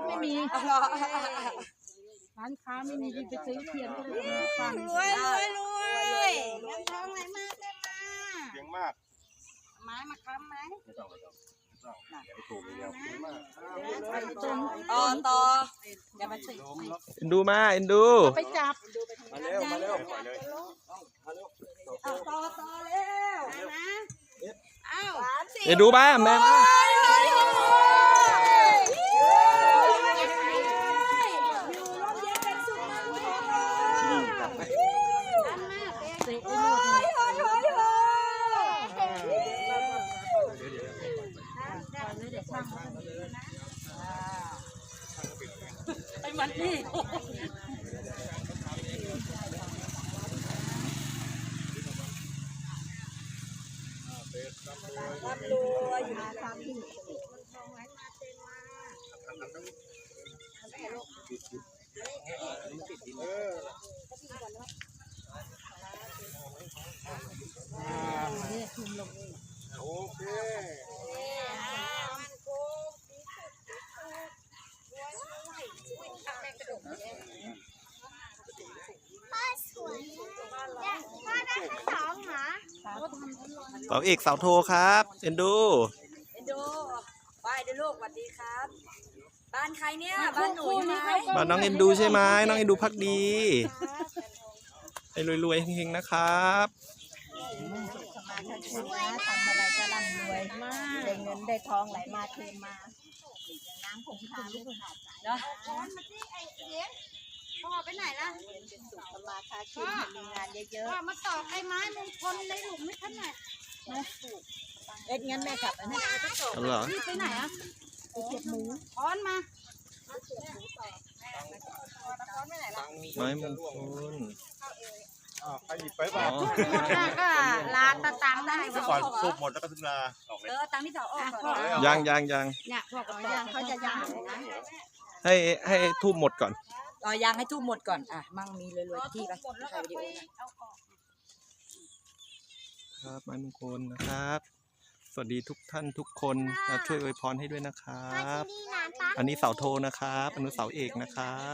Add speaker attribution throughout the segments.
Speaker 1: ไม่มีร้านค้าไม่มีที่ไปซื้อเทียนก็เลยฟัง
Speaker 2: รวยเงินทองไหลมาเต็มมา
Speaker 3: เก่งมาก
Speaker 2: ไม้มาค้ำไหม
Speaker 3: ไม่ต้องอย่าไปถูกเดียว
Speaker 2: ต่ออย่ามาสิ
Speaker 4: เอ็นดูมาเอ็นดู
Speaker 1: ไปจับ
Speaker 3: มาเร็วเลย
Speaker 2: ต่อเร็วนะอ้าว
Speaker 4: เอ็นดูบ้าแม่
Speaker 2: ไปมันนี่ร่ำรวยอยู่ในทางที่มันทองไหลมาเต็มมา
Speaker 3: โอเค
Speaker 4: เสาเอกเสาโทครับเอ็นดู
Speaker 2: ไปเดี๋ยวลูกสวัสดีครับบ้านใครเนี่ยบ้านหนูใช่ไหม
Speaker 4: บ้านน้องเอ็นดูใช่ไหมน้องเอ็นดูพักดีให้รวยๆเฮงๆนะครับ
Speaker 2: ทำอะไรจะร่ำรวยมากได้เงินได้ทองไหลมาเทมาน้ำผงทางลูกหาดเนาะพ่อไปไหนล่ะเป็นสุขสมาคาคินมีงานเยอะๆมาตอกไอ้ไม้มงคลในหลุมไม่ทันไหนเอ็ดงั้นแม่กลับไปนะนี่ไปไหนอ่ะไปเก็บหมูค้อนมา
Speaker 4: ไม้มงคล
Speaker 3: ใครหยิบไปเปล่า
Speaker 2: ก็ล้างตาได้
Speaker 3: ก่อนสูบหมดแล้วก็ถึงลา
Speaker 2: ตังที่ต่อออก
Speaker 4: ยัง
Speaker 2: เนี่ยพวกยังเขาจะยังนะ
Speaker 4: ให้ทูบหมดก่อน
Speaker 2: ยังให้ทูบหมดก่อนมั่งมีรวยๆที่ไปถ่ายวิดีโอ
Speaker 4: ครับไม้มงคลนะครับสวัสดีทุกท่านทุกคนช่วยอวยพรให้ด้วยนะครับอันนี้เสาโทนะครับอันนี้เสาเอกนะครับ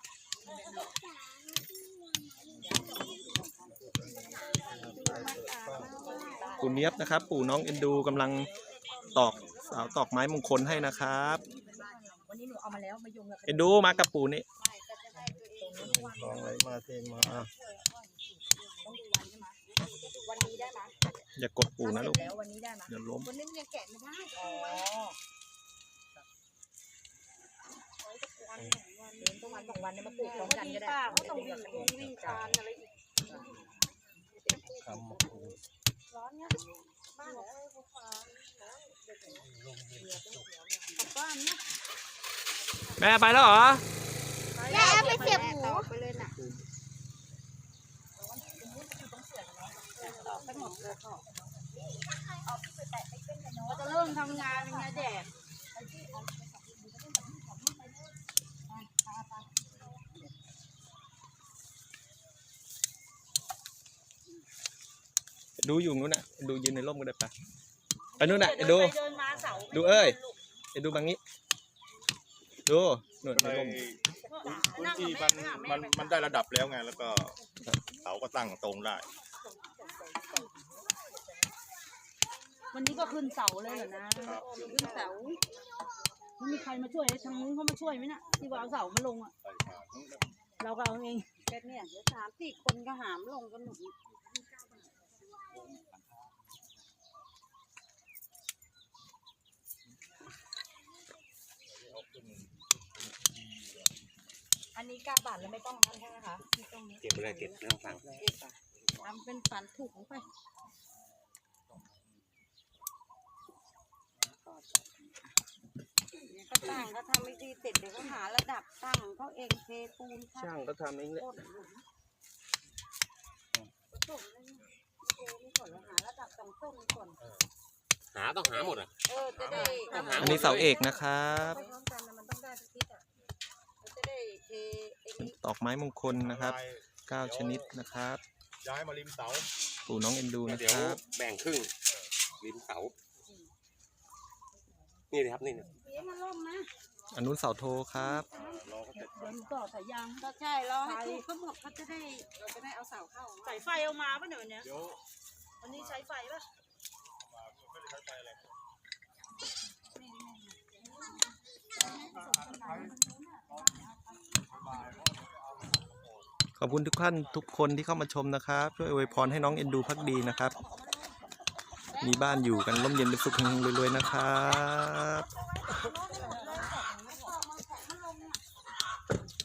Speaker 4: ปู่เนียบนะครับปู่น้องเอ็นดูกำลังตอกไม้มงคลให้นะครับ
Speaker 2: วันนี้หนูเอามาแล้วมาโยง
Speaker 4: เอ็นดูมากับปู่นี่
Speaker 3: ทองไหลมาเทมา
Speaker 2: วันนี้ได้ไหม
Speaker 4: อย่ากดปู่นะลูก
Speaker 2: วันนี้ได้ไหม
Speaker 4: อย่าล้ม
Speaker 2: วันนี้ยังแกะไม่ได้ต้องวัน2 วันเนี่ยมาปลูกพร้อมกันก็ได้เขาต้องวิ่งการอะไรอีกร้อนเนี่ยบ้านผู้ฟ้าบ้านเนี่ย
Speaker 4: แม่ไปแล้วเหรอ
Speaker 2: แม่ไปเสียบหมูไปเลยน่ะไปหมดเลยเขาจะเริ่มทำงานยังไงแดด
Speaker 4: ดูอยู่นู้นน่ะดูยืนในร่มก็ได้ปะไปนู้นน่ะดูเอ้ยดูบางนี้ดูหนวดในร่ม
Speaker 3: พื้นที่มันได้ระดับแล้วไงแล้วก็เสาก็ตั้งตรงได้
Speaker 1: วันนี้ก็ขึ้นเสาเลยเหรอนะขึ้นเสาไม่มีใครมาช่วยทางนู้นเขามาช่วยไหมน่ะที่ว่าเอาเสามาลงอ่ะเราก็เอาเอง
Speaker 2: แค่เนี่ย3-4 คนก็หามลงกันหนุนอันนี้กาบาทแล้วไม่ต้องนั่นใช่ไหมคะ
Speaker 3: เก็บอะไรเก็บเรื่องฟัง
Speaker 2: ทำเป็นฝันถูกไปก็ตั้งเขาทำไม่ดีเสร็จเดี๋ยวเขาหาระดับตั้งเขาเองเทปูน
Speaker 4: ช่างก็ทำเองเลย
Speaker 2: หาระดับต้นก่อน
Speaker 3: ต้องหาหมด
Speaker 2: จะได้
Speaker 4: อันนี้เสาเอกนะครับตอกไม้มงคลนะครับ9 ชนิดนะครับ
Speaker 3: ย้ายมาริมเสา
Speaker 4: ปู่น้องเอ็นดูนะครับ
Speaker 3: แบ่งครึ่งริมเสานี่เลยครับนี่
Speaker 2: มันล่มนะ
Speaker 4: อันนู้นเสาโทครับ
Speaker 3: รอเขาเสร็จ
Speaker 1: เดี๋ยวหนูต่อสายยาง
Speaker 2: ก็ใช่รอให้ทุกเขาหมดเขาจะได้เราจะได้เอาเสาเข้า
Speaker 1: สายไฟเอามาป่ะเนี่ยวันเนี้ย
Speaker 3: เดี๋ยว
Speaker 1: วันนี้ใช้ไฟป่ะ
Speaker 3: ไม่ได้ใช้ไฟอะไร
Speaker 4: ขอบคุณทุกท่านทุกคนที่เข้ามาชมนะครับ ช่วยอวยพรให้น้องเอ็นดูพักดีนะครับ มีบ้านอยู่กันร่มเย็นเป็นสุขเฮงๆรวยๆนะครับ